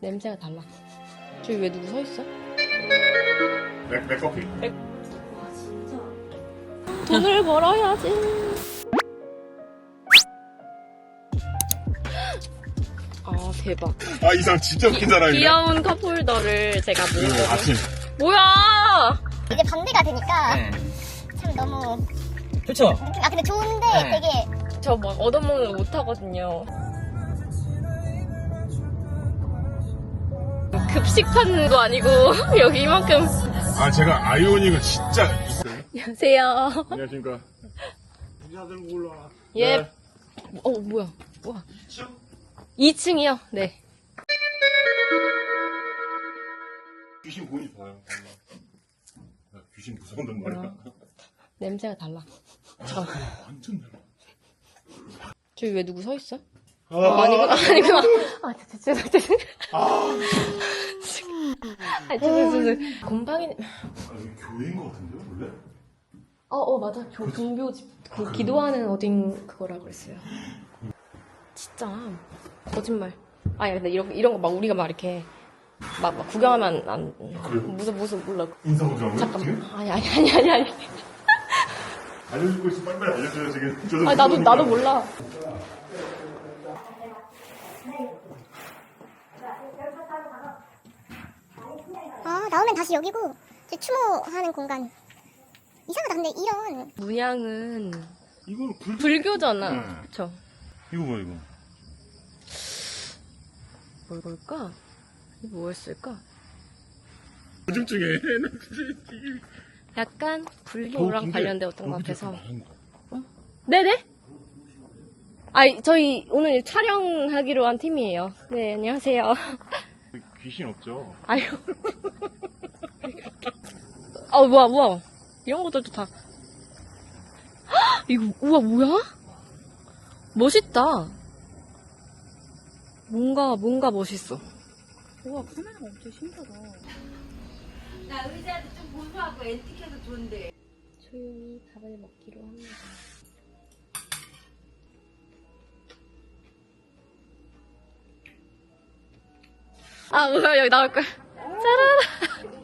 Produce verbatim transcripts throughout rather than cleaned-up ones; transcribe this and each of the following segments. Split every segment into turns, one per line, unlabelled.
냄새가 달라. 저기 왜 누구 서 있어?
맥, 맥커피.
맥... 와 진짜. 돈을 벌어야지. 아 대박.
아, 이 사람 진짜 웃긴 사람이네.
귀여운 컵홀더를 제가
응,
모으거든.
아침.
뭐야?
이제 반대가 되니까
네.
참 너무
그쵸?
아 근데 좋은데
네.
되게
저 막 얻어먹는 거 못하거든요. 급식 파는 거 아니고 여기 이만큼.
아, 제가 아이오닉을 진짜.
안녕하세요.
안녕하십니까. 부자 들고 올라와.
예.
네.
어 뭐야? 와. 이 층이요? 네.
귀신 보이지 봐요. 야, 귀신 무서운단 말이야.
냄새가 달라. 잠깐.
완전 달라.
저기 왜 누구 서 있어?
아,
아, 아니구나. 아니구나. 아, 죄송, 죄송.
아,
아, 죄송, 죄송. 곰팡이.
아, 여기 교회인 것 같은데요, 원래?
어, 어, 맞아. 교, 종교집. 그, 기도하는 어딘 그거라 그랬어요. 진짜. 거짓말. 아니, 근데 이런, 이런 거 막 우리가 막 이렇게. 막, 막 구경하면 안.
그래요?
무슨, 무슨, 몰라.
인사보자고요?
잠깐만. 아니, 아니, 아니, 아니, 아니.
알려주고 있으면 빨리빨리 알려줘요, 지금. 저도
아, 나도, 나도 몰라.
아 나오면 다시 여기고 이제 추모하는 공간 이상하다. 근데 이런
문양은
이거는 불,
불교잖아.
네.
그쵸?
이거 봐, 이거.
뭘 걸까? 이게 뭐였을까?
요즘 중에.
약간 불교랑 관련된 어떤 것 같아서.
많은 거.
네네? 아, 저희 오늘 촬영하기로 한 팀이에요. 네, 안녕하세요.
귀신 없죠?
아유. 아, 뭐야, 뭐야. 이런 것들도 다. 헉, 이거, 우와, 뭐야? 멋있다. 뭔가, 뭔가 멋있어.
우와, 카메라가 엄청 신기하다.
나 의자도 좀 보수하고 앤틱해서 좋은데.
조용히 밥을 먹기로 합니다. 아, 뭐야, 여기 나올 거야. 짜라라.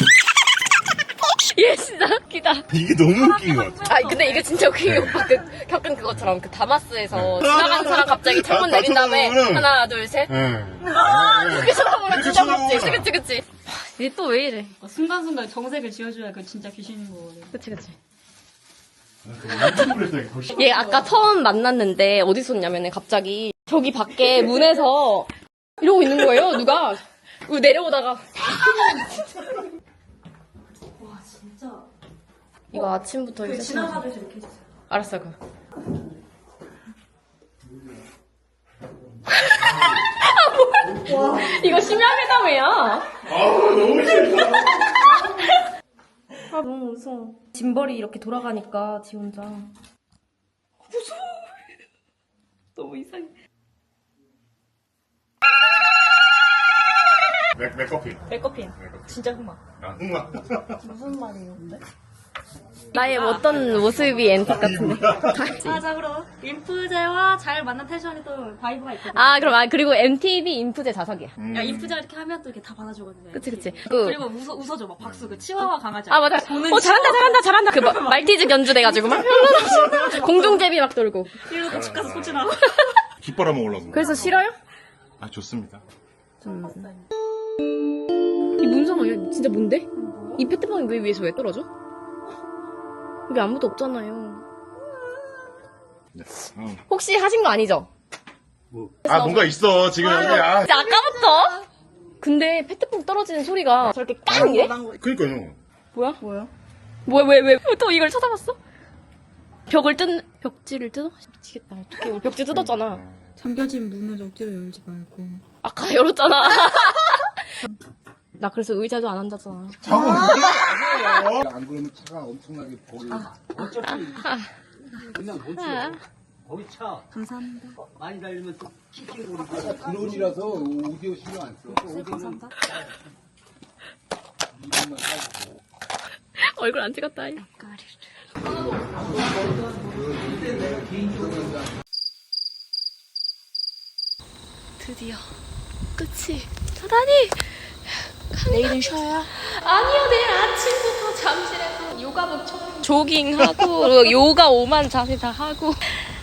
얘 진짜 웃기다.
이게 너무 웃긴 것 같아.
아, 근데 이거 진짜 웃긴 게 오빠 그, 겪은 그것처럼 그 다마스에서 지나가는 사람 갑자기 창문 내린 다음에 하나, 둘, 셋.
응.
이렇게 쳐다보면
이렇게
진짜
쳐다보면.
무섭지. 그치, 그치. 얘 또 왜 이래.
어, 순간순간 정색을 지어줘야 그 진짜 귀신인 거거든.
그치, 그치.
완전 그랬다, 이거.
얘 아까 처음 만났는데 어디 있었냐면은 갑자기 저기 밖에 문에서 이러고 있는 거예요, 누가. 그리고 내려오다가.
와, 진짜.
이거 아침부터
그
이제
지나가듯이 이렇게 해주세요.
알았어, 그. 이거 심야회담이야.
아, 너무 싫다.
아, 너무 무서워. 짐벌이 이렇게 돌아가니까 지 혼자. 무서워. 너무 이상해.
맥, 맥커피.
맥커피야.
맥커피.
진짜 흑마.
아, 흑마.
무슨 말이에요, 근데? 나의 어떤 모습이 엔틱 같은데.
아, 자, 그럼. 인프제와 잘 만난 텐션이 또 바이브가 있거든.
아, 그럼, 아, 그리고 엠티비 인프제 자석이야.
음.
야, 인프제가 이렇게 하면 또 이렇게 다 받아주거든요.
그치, 그치.
이렇게.
그,
그리고 웃어, 웃어줘, 막 박수. 그 치와와 강아지.
아, 맞아.
보는
어, 잘한다, 잘한다, 잘한다. 그, 마- 말티즈 견주돼가지고 막. 공중제비 막 돌고.
이러고 고집 가서 꽂히라고.
깃바람 먹으려고.
그래서 싫어요?
아, 좋습니다.
이 문서가 이거 진짜 뭔데? 이 페트병이 왜 위에서 왜 떨어져? 여기 아무도 없잖아요.
네. 음.
혹시 하신 거 아니죠?
아, 뭔가 있어, 지금 여기. 아,
진짜 아까부터? 근데 페트병 떨어지는 소리가 저렇게 깡 이래?
그니까요.
뭐야? 뭐야? 뭐야, 왜, 왜? 또 이걸 쳐다봤어? 벽을 뜯, 벽지를 뜯어? 미치겠다. 어떡해. 우리 벽지 뜯었잖아.
잠겨진 문을 억지로 열지 말고.
아까 열었잖아. 나 그래서 의자도 안 앉았잖아.
자고
안 그러면 차가 엄청나게 거기 어차피 그냥 못 쳐. 거기 차
감사합니다.
많이 달리면 또 킥킥 오르고 드론이라서 오디오 신경 안 써. 오디오는
감사합니다.
이것만 하고.
얼굴 안 찍었다. 이. 드디어 끝이 사단이
내일은 쉬어요?
아니요, 내일 아침부터 잠실에서 요가복 총 조깅하고 그리고 요가 오만 자세 다 하고 우,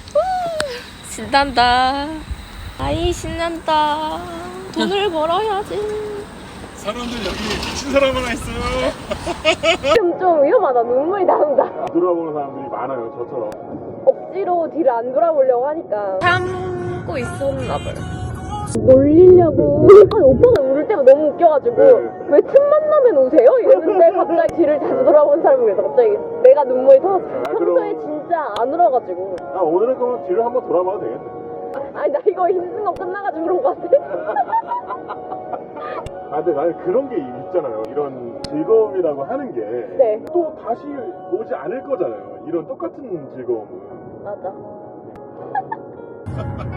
신난다. 아이 신난다. 돈을 벌어야지.
사람들 여기 미친 사람 하나 있어요.
지금 좀 위험하다. 눈물이 나온다.
돌아보는 사람들이 많아요, 저처럼.
억지로 뒤를 안 돌아보려고 하니까 참고 있었나 봐요. 놀리려고. 아니, 오빠가 울을 때가 너무 웃겨가지고
네.
왜 틈만 나면 우세요? 이랬는데 갑자기 뒤를 자주 돌아보는 사람이 그래서 갑자기 내가 눈물이 터졌어.
아,
평소에
그럼-
진짜 안 울어가지고.
아, 오늘은 그럼 뒤를 한번 돌아봐도 되겠네.
아니 나 이거 힘든 거 끝나가지고 그런 거 같아.
아, 근데 나는 그런 게 있잖아요. 이런 즐거움이라고 하는 게.
네.
또 다시 오지 않을 거잖아요. 이런 똑같은 즐거움은.
맞아.